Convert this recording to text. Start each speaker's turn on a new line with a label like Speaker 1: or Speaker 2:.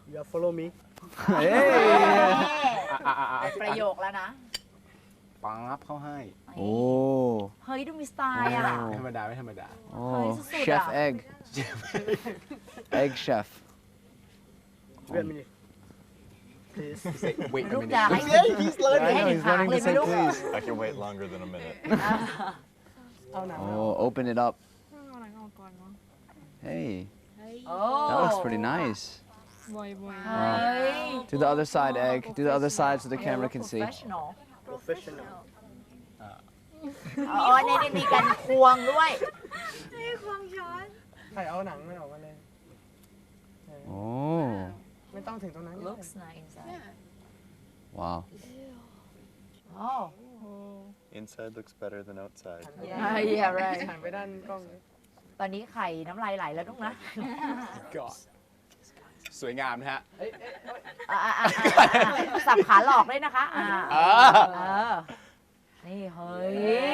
Speaker 1: You follow me
Speaker 2: เฮ้ย
Speaker 3: ประโยคแล้วนะ
Speaker 4: ปั๊บเข้าให้
Speaker 2: โอ้
Speaker 3: เฮ้ยดูมีสไตล์อ่ะ
Speaker 4: ไม่ธรรมดาไม่ธรรมดา
Speaker 2: โอ้
Speaker 3: เฮ้ยสุดๆ
Speaker 2: เชฟ
Speaker 3: อะ
Speaker 2: egg egg chef
Speaker 1: Wait a minute please
Speaker 4: เวท
Speaker 3: ลูก
Speaker 4: ไม่
Speaker 3: จะ
Speaker 4: ได้
Speaker 3: ให้
Speaker 1: He's learning
Speaker 3: ให้หนึ่งครั้งเลยไหมลูก
Speaker 5: I can wait longer than a minute.
Speaker 1: เอาหนัง
Speaker 2: oh open it up hey
Speaker 3: โอ้
Speaker 2: that looks pretty nice
Speaker 3: เฮ้ย
Speaker 2: to the other side egg to the other side so the camera can see
Speaker 3: professional
Speaker 1: professional
Speaker 3: อ๋อเนี่ยมีการควงด้วย
Speaker 1: ใครเอาหนังไม่ออกมาเลย
Speaker 2: oh
Speaker 1: ไม่ต้องถึงตรงนั้น
Speaker 3: looks nice
Speaker 2: wow
Speaker 3: โอ้
Speaker 5: Inside looks better than outside.
Speaker 3: yeah right
Speaker 1: หันไปด้านกล้องเลย
Speaker 3: ตอนนี้ไข่น้ำลายไหลแล้วลูกนะ
Speaker 4: ก็สวยงามนะฮะ
Speaker 3: สับขาหลอกเลยนะคะ
Speaker 4: เออ
Speaker 3: นี่เฮ้ย